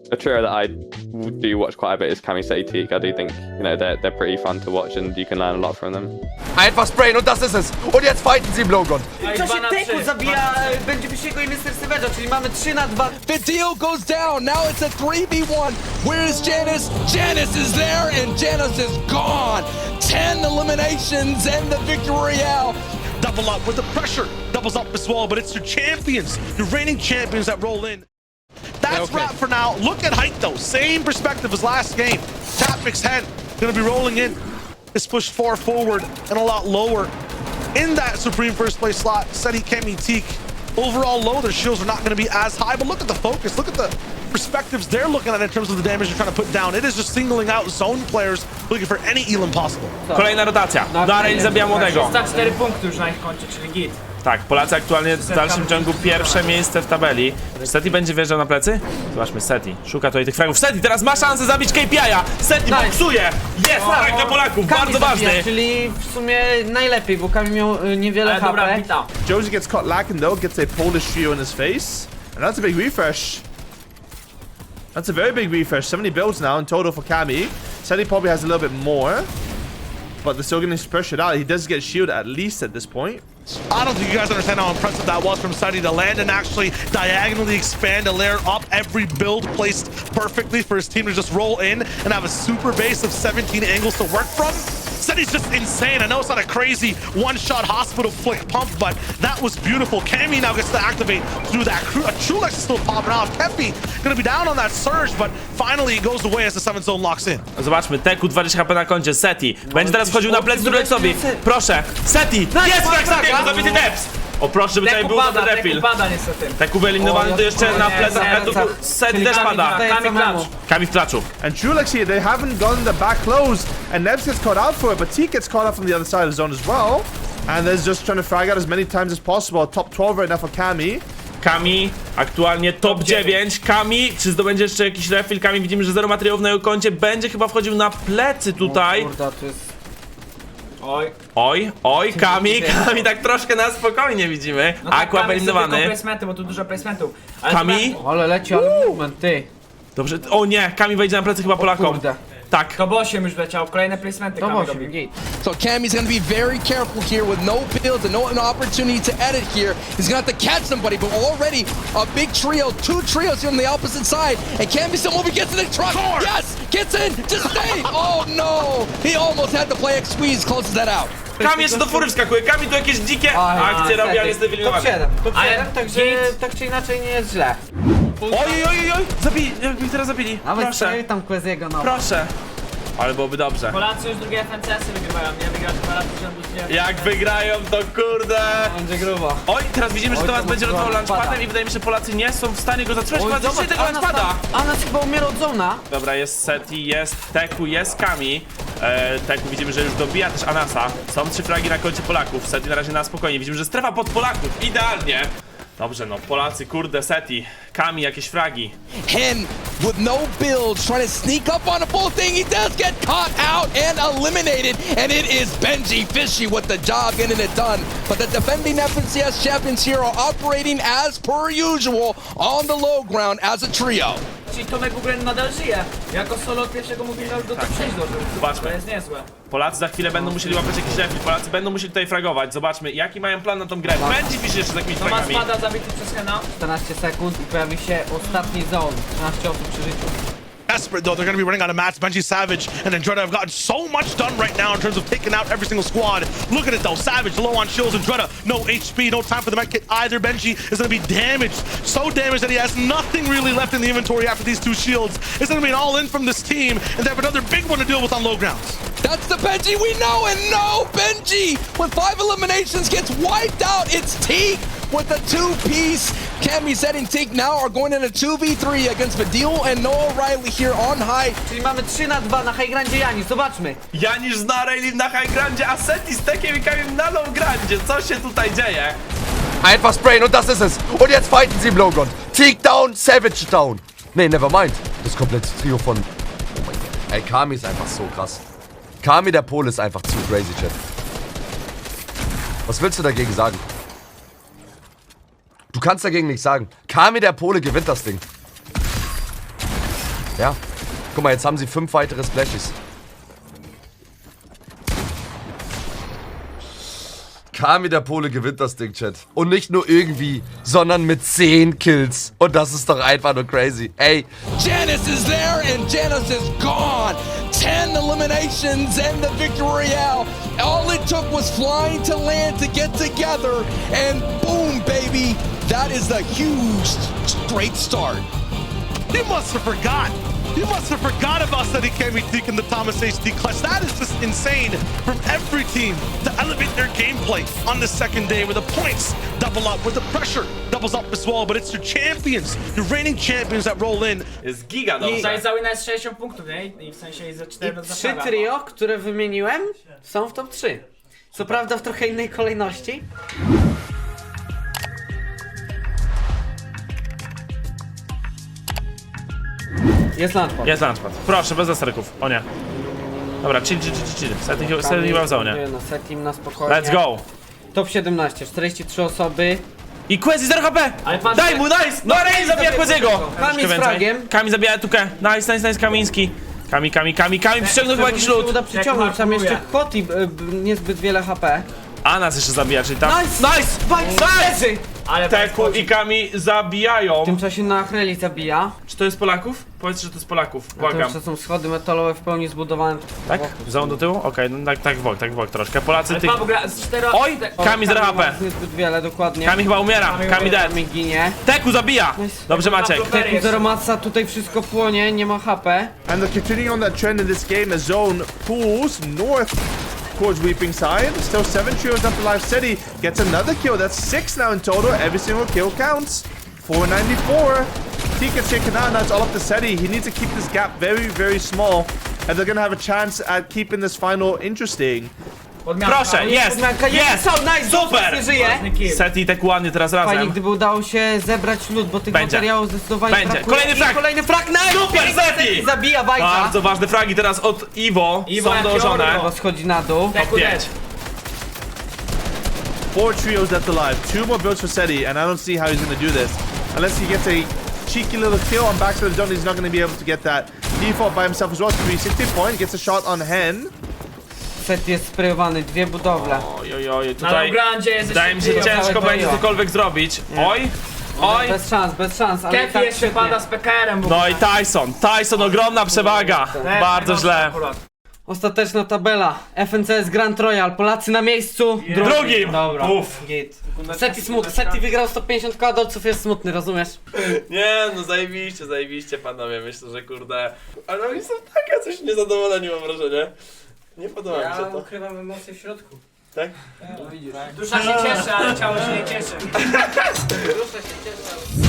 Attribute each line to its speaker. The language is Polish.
Speaker 1: a trio that I do watch quite a bit is Kami, Seti, Teak. I do think, you know, they're pretty fun to watch and you can learn a lot from them.
Speaker 2: Einfach sprayen und das ist es. Und jetzt fighten sie im Lowground.
Speaker 3: W czasie teku zabija będzie Wysiego i Mr. Savage'a, czyli mamy 3-2.
Speaker 4: The deal goes down. Now it's a 3v1. Where is Janice? Janice is there, and Janice is gone. 10 eliminations and the victory royale.
Speaker 5: Double up with the pressure. Doubles up as well, but it's your champions, your reigning champions that roll in. That's wrap for now. Look at height though. Same perspective as last game. Tapmix head gonna be rolling in. Is pushed far forward and a lot lower in that Supreme first place slot. Seti, Kemi, Teak. Overall low, their shields are not going to be as high, but look at the focus. Look at the perspectives they're looking at in terms of the damage they're trying to put down. It is just singling out zone players looking for any Elam possible.
Speaker 6: Kolejna rotacja. Darren zabija młodego.
Speaker 3: Za 4 punkty już na ich koncie, czyli git.
Speaker 6: Tak, Polacy aktualnie w dalszym ciągu pierwsze miejsce w tabeli. Czy Seti będzie wjeżdżał na plecy? Zobaczmy, Seti szuka tutaj tych fragów. Seti teraz ma szansę zabić KPI-a. Seti boksuje! Jest frag dla Polaków, bardzo ważny.
Speaker 3: Czyli w sumie najlepiej, bo Kami miał niewiele HP.
Speaker 7: Josie gets caught lacking though, gets a Polish trio in his face. And that's a big refresh. That's a very big refresh. 70 builds now in total for Kami. Seti probably has a little bit more. But they're still getting pressured out. He does get shielded at least at this point.
Speaker 5: I don't think you guys understand how impressive that was from Seti to land and actually diagonally expand a layer up, every build placed perfectly for his team to just roll in and have a super base of 17 angles to work from. Seti's just insane. I know it's not a crazy one-shot hospital flick pump, but that was beautiful. Kami now gets to activate through that. Trulex is still popping off. Kepi gonna be down on that surge, but finally it goes away as the 7th zone locks in.
Speaker 6: Zobaczmy, Teku 20 HP na koncie, Seti. Będzie teraz wchodził na plecy Trulexowi. Proszę, Seti! Jest frag Setiego, zabity Deps! O proszę, żeby tutaj był dobry refill. Teku wyeliminowany to jeszcze na plecach. Seti też pada. Kami w klaczu.
Speaker 7: And Trulex here, they haven't gotten the back close. And Nebs gets caught out for it, but Teak gets caught out from the other side of the zone as well. And there's just trying to frag out as many times as possible. Top 12 right now for Kami.
Speaker 6: Kami aktualnie top 9. Kami, czy zdobędzie jeszcze jakiś refill? Kami widzimy, że zero materiałów na jego koncie. Będzie chyba wchodził na plecy tutaj.
Speaker 3: Kurde, to jest...
Speaker 6: Oj, Kami tak troszkę na spokojnie widzimy.
Speaker 3: No tak,
Speaker 6: Aqua wyeliminowany.
Speaker 3: placementy, bo tu dużo placementów.
Speaker 6: Kami?
Speaker 3: Ale leci, ale movement, ty.
Speaker 6: Dobrze, o nie, Kami wejdzie na plecy chyba Polakom.
Speaker 3: Kurde.
Speaker 6: Tak.
Speaker 3: To 8 już leciało, kolejne placementy Kami robi.
Speaker 4: So Kami's gonna be very careful here with no builds and no opportunity to edit here. He's gonna have to catch somebody, but already a big trio, 2 trios here on the opposite side. And Kami still moving, gets in the truck. Yes, gets in, just stay. Oh no, he almost had the play X squeeze, closes that out.
Speaker 6: Kami jeszcze do fury wskakuje, Kami tu jakieś dzikie akcje robi, ale jest
Speaker 3: Top
Speaker 6: wyeliminowany.
Speaker 3: 7, także tak czy inaczej nie jest źle.
Speaker 6: Oj, zabili, jakby ich teraz zabili.
Speaker 3: Nawet
Speaker 6: Proszę,
Speaker 3: tam Queziego, no.
Speaker 6: proszę. Ale byłoby dobrze.
Speaker 3: Polacy już drugie FNCS-y wygrywają, nie? Wygrać 2 razy z rzędu.
Speaker 6: Jak wygrają, to kurde.
Speaker 3: Będzie grubo.
Speaker 6: Oj, teraz widzimy, że
Speaker 3: Oj,
Speaker 6: Tomas
Speaker 3: to
Speaker 6: będzie
Speaker 3: mocno
Speaker 6: rotował
Speaker 3: launchpada.
Speaker 6: launchpadem i wydaje mi się, że Polacy nie są w stanie go zatrzymać. Chyba dzisiaj tego launchpada.
Speaker 3: A nas chyba umiera od zona.
Speaker 6: Dobra, jest Seti, jest Teku, jest Kami. Teku widzimy, że już dobija też Anasa. Są 3 fragi na koncie Polaków. Seti na razie na spokojnie. Widzimy, że strefa pod Polaków. Idealnie. Dobrze, no Polacy, kurde, Seti. Kami, jakieś fragi.
Speaker 4: Hen with no build, trying to sneak up on the full thing. He does get caught out and eliminated, and it is Benji Fishy with the job getting it done. But the defending FNCS champions here are operating as per usual on the low ground as a trio.
Speaker 3: Czyli Tomek w ogóle nadal żyje. Jako solo od pierwszego mówili, że już do top 6 dożył.
Speaker 6: Zobaczmy.
Speaker 3: To jest niezłe.
Speaker 6: Polacy za chwilę będą musieli łapać jakiś refill. Polacy będą musieli tutaj fragować. Zobaczmy, jaki mają plan na tą grę. Benji Fishy jeszcze z jakimiś
Speaker 3: Tomas
Speaker 6: fragami.
Speaker 3: spada zabity przez Hena. 14 sekund i pojawi się ostatni zone. 13 osób przy życiu.
Speaker 5: Desperate though, they're going to be running out of mats. Benji, Savage, and Andretta have gotten so much done right now in terms of taking out every single squad. Look at it though, Savage low on shields, Andretta no HP, no time for the med kit either. Benji is going to be damaged, so damaged that he has nothing really left in the inventory after these 2 shields. It's going to be an all-in from this team, and they have another big one to deal with on low grounds.
Speaker 4: That's the Benji we know, and no, Benji with 5 eliminations gets wiped out. It's Teak with the 2-piece. Kami, Seti, and Teak now are going in a 2v3 against Badil and Noah Riley here on high.
Speaker 3: Czyli mamy 3-2 na high grandzie Janis, zobaczmy.
Speaker 6: Janisz zna Rayleigh na high grandzie, a Seti z Tekiem i Kamim na low grandzie. Co się tutaj dzieje?
Speaker 2: Einfach sprayen und das ist es. Und jetzt fighten sie im Lowground. Teak down, Savage down. Nee, never mind. Das komplette Trio von... Oh mein Gott. Ey, Kami ist einfach so krass. Kami, der Pole, ist einfach zu crazy, Chat. Was willst du dagegen sagen? Du kannst dagegen nichts sagen. Kami, der Pole, gewinnt das Ding. Ja. Guck mal, jetzt haben sie 5 weitere Splashes. Kami der Pole gewinnt das Ding, Chat. Und nicht nur irgendwie, sondern mit 10 Kills. Und das ist doch einfach nur crazy. Ey.
Speaker 4: Janice is there and Janice is gone. 10 eliminations and the victory royale. All it took was flying to land to get together. And boom, baby. That is a huge straight start.
Speaker 5: You must have forgot. You must have forgot about Steady Kami Teak and the Thomas HD clutch. That is just insane from every team to elevate their gameplay on the second day where the points double up, where the pressure doubles up as well. But it's your champions, your reigning champions that roll in.
Speaker 6: Jest giga
Speaker 3: I-
Speaker 6: dobrze.
Speaker 8: Za wina jest 60 punktów, nie? I w sensie za 4
Speaker 3: I 3 trio, które wymieniłem, są w top 3. Co prawda w trochę innej kolejności. Jest launchpad.
Speaker 6: Jest launchpad. Proszę, bez zasterków. O nie. Dobra, chill. Setting chyba w zonie.
Speaker 3: No, setting na spokojnie.
Speaker 6: Let's go.
Speaker 3: Top 17, 43 osoby.
Speaker 6: I Quezi 0 HP!
Speaker 8: Ale patrz,
Speaker 6: Daj mu, nice! No Rey zabija Queziego!
Speaker 3: Kami z fragiem.
Speaker 6: Kami zabija Tukę. Nice, Kamiński. Kami przyciągnął chyba jakiś
Speaker 3: się
Speaker 6: lód.
Speaker 3: uda przyciągnąć, tam
Speaker 8: markuje.
Speaker 3: jeszcze Koti, niezbyt wiele HP.
Speaker 6: A nas jeszcze zabija, czyli tam...
Speaker 3: Nice!
Speaker 6: Nice!
Speaker 8: ale
Speaker 6: Teku i Kami zabijają.
Speaker 3: W tym czasie na Achreli zabija.
Speaker 6: Czy to jest Polaków? Powiedz, że to jest Polaków.
Speaker 3: A to
Speaker 6: Błagam.
Speaker 3: jeszcze są schody metalowe w pełni zbudowane.
Speaker 6: Tak? Zone do tyłu? Okej, no tak w bok troszkę. Polacy
Speaker 8: Ale
Speaker 6: tych...
Speaker 8: Paweł gra z 4...
Speaker 6: Oj! Kami 0 HP.
Speaker 3: Niezbyt wiele, dokładnie.
Speaker 6: Kami chyba umiera. Kami dead.
Speaker 3: Kami ginie.
Speaker 6: Teku zabija! Dobrze Maciek.
Speaker 3: Teku zero matca, tutaj wszystko płonie, nie ma HP.
Speaker 7: And they're continuing on that trend in this game as Zone pulls north towards Weeping Side. Still 7 trios up alive. Steady gets another kill. That's 6 now in total. Every single kill counts. 494. T gets taken out. Now it's all up to Steady. He needs to keep this gap very, very small. And they're going to have a chance at keeping this final interesting.
Speaker 6: Proszę, jest! Jest!
Speaker 3: Nice,
Speaker 6: Super!
Speaker 3: nie żyje.
Speaker 6: Seti i Teku ładnie teraz
Speaker 3: Fajnie,
Speaker 6: razem.
Speaker 3: gdyby udało się zebrać lód, bo tych
Speaker 6: Będzie.
Speaker 3: materiałów zdecydowanie
Speaker 6: Będzie.
Speaker 3: brakuje.
Speaker 6: Kolejny
Speaker 3: I
Speaker 6: frag.
Speaker 3: Kolejny frag, nice!
Speaker 6: Super, Zeti!
Speaker 3: Zabija Bajka.
Speaker 6: Bardzo ważne fragi teraz od Iwo.
Speaker 8: Iwo
Speaker 6: Są
Speaker 8: jak
Speaker 6: dołożone.
Speaker 8: Jorgo.
Speaker 3: Schodzi na dół.
Speaker 8: Teku
Speaker 6: Pięć.
Speaker 8: dead.
Speaker 7: 4 trios left alive. 2 more builds for Seti, and I don't see how he's going to do this. Unless he gets a cheeky little kill on backside of the zone, he's not going to be able to get that. Default by himself as well. 360 point, gets a shot on Hen.
Speaker 3: Set jest sprayowany, 2 budowle.
Speaker 6: Oj,
Speaker 8: Na
Speaker 6: tutaj
Speaker 8: Longrandzie jest
Speaker 6: wydaje mi się, że
Speaker 8: jeszcze
Speaker 6: ciężko
Speaker 3: całe
Speaker 6: będzie
Speaker 3: trio.
Speaker 6: cokolwiek zrobić. Oj, oj.
Speaker 3: Bez szans, ale
Speaker 8: Kefi
Speaker 3: tak
Speaker 8: jeszcze
Speaker 3: świetnie.
Speaker 8: pada z PKR-em.
Speaker 6: No i Tyson, ogromna przewaga. Bardzo źle.
Speaker 3: Ostateczna tabela. FNCS Grand Royal. Polacy na miejscu.
Speaker 6: Drugim.
Speaker 3: Dobra.
Speaker 6: Uff.
Speaker 3: Git. Seti smutny. Seti wygrał 150 k, dolców jest smutny, rozumiesz?
Speaker 6: Nie, no zajebiście panowie, myślę, że kurde. Ale oni są takie coś niezadowoleni, mam wrażenie. Nie podoba mi się to.
Speaker 3: ukrywam emocje w środku.
Speaker 6: Tak?
Speaker 3: No widzisz.
Speaker 8: Dusza się cieszy, ale ciało się nie cieszy.
Speaker 3: Dusza się cieszy.